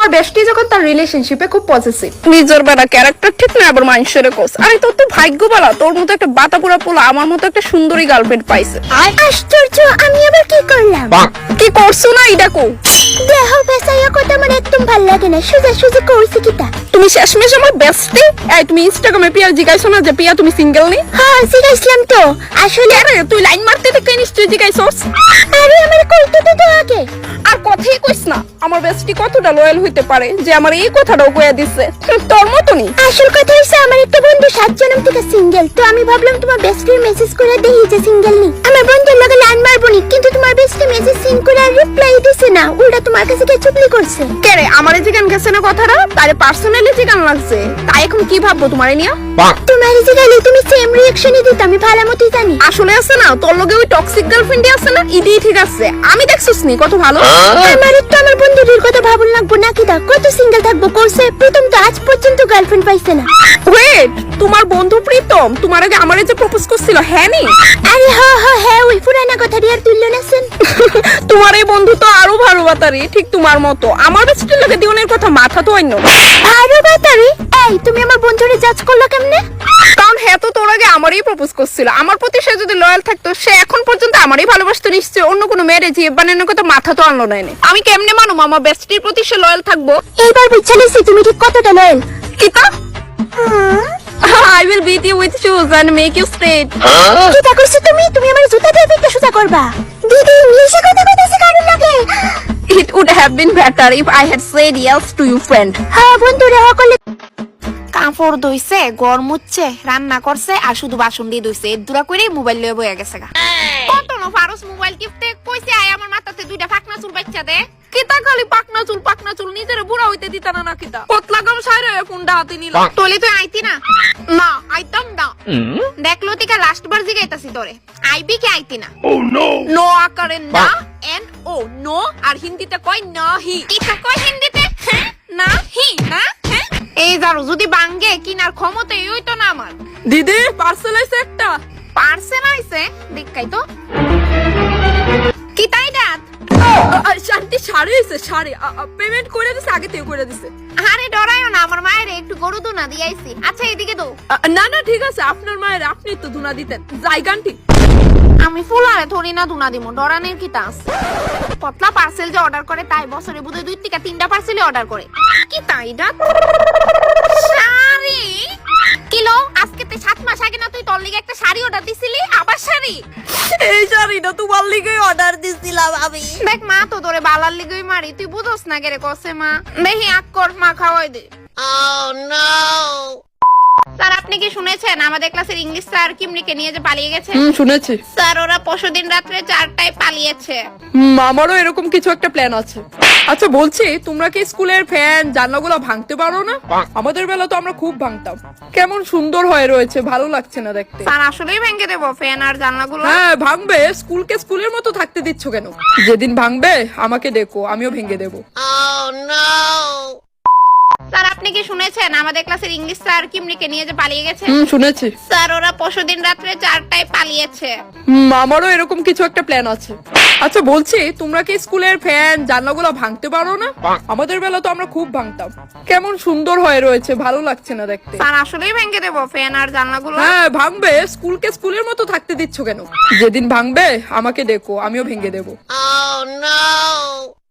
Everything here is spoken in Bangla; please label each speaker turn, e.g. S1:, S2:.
S1: তোমার বেস্টি যখন তার রিলেশনশিপে খুব পজিটিভ, নিজের বেলা ক্যারেক্টার ঠিক না আবার মানুষের কোস। আরে তোর তো ভাগ্য বলা, তোর মতো একটা বাতাপুরা পোলা আমার মতো একটা সুন্দরী গার্লফ্রেন্ড পাইছে।
S2: আশ্চর্য, আমি আবার কি করলাম?
S1: কি করছো না এটা কো?
S2: দেহ বেসাইয়া কথা আমার একদম ভাল লাগে না, সোজা সোজা কইছি কিটা।
S1: তুমি শেষমেশ আমার বেস্টি। এই তুমি ইনস্টাগ্রামে পিয়া জিগাইছো না যে পিয়া তুমি সিঙ্গেল নি?
S2: হ্যাঁ জিগাইছিলাম তো। আসলে
S1: আরে তুই লাইন মারতে থেকে নিশ্চয়ই জিগাইছস।
S2: আরে আমার কইতে তো আগে।
S1: আর কথাই কইস না আমার বেস্টি কতটা লয়াল হইতে পারে যে আমার এই কথাটাও কইয়া দিছে। তোর মতনই
S2: আসল কথা হইছে আমার একটা বন্ধু 7 জন্ম থেকে সিঙ্গেল, তো আমি ভাবলাম তোমার বেস্টির মেসেজ করে দেই যে সিঙ্গেল নি। আমার বন্ধুর লগে লাইন মারবনি, কিন্তু তোমার বেস্টি মেসেজ সিন করে আর রিপ্লাই দিছে না, উল্টা তোমার কাছে কে চুপলি করছে।
S1: কে রে আমারে জিগান গেছে না কথাটা, তারে পার্সোনালি জিগান লাগছে। তাই এখন কি ভাববো তোমারে নিয়া?
S2: তোমার জিগাইলে তুমি সেম রিঅ্যাকশনই দিতে আমি ভালো মতই জানি।
S1: আসলে আছে না তোর লগে ওই টক্সিক গার্লফ্রেন্ডই আছে না, ইডি ঠিক আছে। আমি দেখছস নি কত ভালো।
S2: আমার তো আমার বন্ধুদের কথা ভাবুন লাগবো নাকি? দা কত সিঙ্গেল থাকবো করছে, প্রথম তো আজ পর্যন্ত গার্লফ্রেন্ড পাইছে না।
S1: ওয়েট, তোমার বন্ধু প্রীতম তোমার আগে আমারে যে প্রপোজ করছিল হ্যাঁ নি?
S2: আরে হ্যাঁ ওই পুরানা কথা দিয়ে আর তুললো না সেন।
S1: তোমার এই বন্ধু তো আরো ভালো বাতারি, ঠিক তোমার মতো। আমার বেস্টির লগে দিওনের কথা মাথা তো আইনো।
S2: আরে বাতারি, এই তুমি আমার বন্ধুরে জাজ করলা কেমনে?
S1: কারণ হ্যাঁ তো তোর আগে আমারই প্রপোজ করছিল। আমার প্রতি সে যদি লয়াল থাকতো সে এখন পর্যন্ত আমারই ভালোবাসতো নিশ্চয়। অন্য কোনো মেয়েরে যে বানানোর কথা মাথা তো আনলো না এনে। আমি কেমনে মানুম আমার বেস্টির প্রতি সে লয়াল থাকবো?
S2: এইবার বুঝছা নিছি তুমি ঠিক কতটা লয়াল।
S1: কিতা? I will beat you with shoes and make you straight.
S2: কিটা কইছো তুমি? তুমি আমার জুতা দিয়ে পিঠটা সোজা করবা? দিদি ইংলিশে কথা কইতেছে কারণ লাগে।
S1: It would have been better if I had said yes to you, friend.
S2: হ্যাঁ বন্ধুরে সকলে
S3: কাপড় ধুইছে, গড় মুছছে, রান্না করছে আর শুধু বাসন দিয়ে ধুইছে। দুরা করে মোবাইল লয়ে বইয়া গেছে গা। কত ন ফারুস মোবাইল কিপতে কইছে আয় আমার মাথাতে দুইটা ফাকনা চুল বাচ্চা দে।
S1: কিতা খালি পাকনা চুল নিজের বুড়া হইতে দিতা না কিতা? পতলা গাম সাইরে ফোনটা হাতে নিলাম।
S3: তোলে তুই আইতি না?
S1: না আইতাম না।
S3: দেখলো তিকা লাস্ট বার জিগাইতাছি তোরে, আইবি কি আইতি না?
S1: নো আকারে না এন্ড ও নো, আর হিন্দিতে কয় নাহি।
S3: কিতা কই হিন্দিতে? হ্যাঁ না হি না হ্যাঁ। এই জারু যদি বাঙ্গে কিনার ক্ষমতাই হইতো না আমার।
S1: দিদি পার্সেল আইছে একটা।
S3: পার্সেল আইছে দেখাই তো। কিতাই দাঁত?
S1: শান্তি শাড়ি হইছে শাড়ি। পেমেন্ট করে দিছে, আগে থেকে করে দিছে।
S3: আরে ডরাইও না, আমার মায়ের একটু গরু দুনা দিয়াইছি। আচ্ছা এদিকে তো।
S1: না না ঠিক আছে, আপনার মায়ের আপনি তো ধুনা দিতেন। জায়গানটি
S3: আমি ফুলারে থরি না দুনা দিমু, ডরানের কি তাস। পতলা পার্সেল যে অর্ডার করে তাই বছরে বুধে 2 থেকে 3টা পার্সেলই অর্ডার করে। কি তাই না? শাড়ি কিলো আজকে তে 7 মাস আগে না তুই তোর লিগে একটা শাড়ি অর্ডার দিছিলি? আবার শাড়ি?
S1: এই শাড়িটা তোমার লিগে অর্ডার দিছিলাম আমি।
S3: দেখ মা তো তোরে বালার লিগেই মারি, তুই বুঝোস না কেরে কসে মা। দেখি আক্কর মা খাওয়াই দে। স্যার আপনি কি শুনেছেন আমাদের ক্লাসের ইংলিশ স্যার কিমরিকে নিয়ে যে পালিয়ে গেছে?
S1: শুনেছি
S3: স্যার ওরা পরশুদিন রাত্রে 4টায় পালিয়েছে।
S1: আমারও এরকম কিছু একটা প্ল্যান আছে। আচ্ছা বলছি, তোমরা কি স্কুলের ফ্যান জানলাগুলো ভাঙতে পারো না? আমাদের বেলা তো আমরা খুব ভাঙতাম। কেমন সুন্দর হয়ে রয়েছে, ভালো লাগছে না দেখতে?
S3: স্যার আসলেই ভেঙে দেবো ফ্যান আর জানলাগুলো?
S1: হ্যাঁ ভাঙবে। স্কুলকে স্কুলের মতো থাকতে দিচ্ছ কেন? যেদিন ভাঙবে আমাকে ডেকো, আমিও ভেঙে দেবো।
S3: স্যার আপনি কি শুনেছেন আমাদের ক্লাসের ইংলিশ স্যার কিমরিকে নিয়ে যে পালিয়ে গেছে?
S1: শুনেছি।
S3: স্যার ওরা পরশুদিন রাত্রে 4টায় পালিয়েছে।
S1: আমারও এরকম কিছু একটা প্ল্যান আছে। আচ্ছা বলছি, তোমরা কি স্কুলের ফ্যান জানলাগুলো ভাঙতে পারো না? আমাদের বেলা তো আমরা খুব ভাঙতাম। কেমন সুন্দর হয়ে রয়েছে, ভালো লাগছে না দেখতে?
S3: স্যার আসলেই ভেঙে দেবো ফ্যান আর জানলাগুলো?
S1: হ্যাঁ ভাঙবে। স্কুলকে স্কুলের মতো থাকতে দিচ্ছ কেন? যেদিন ভাঙবে আমাকে ডেকো, আমিও ভেঙে দেবো।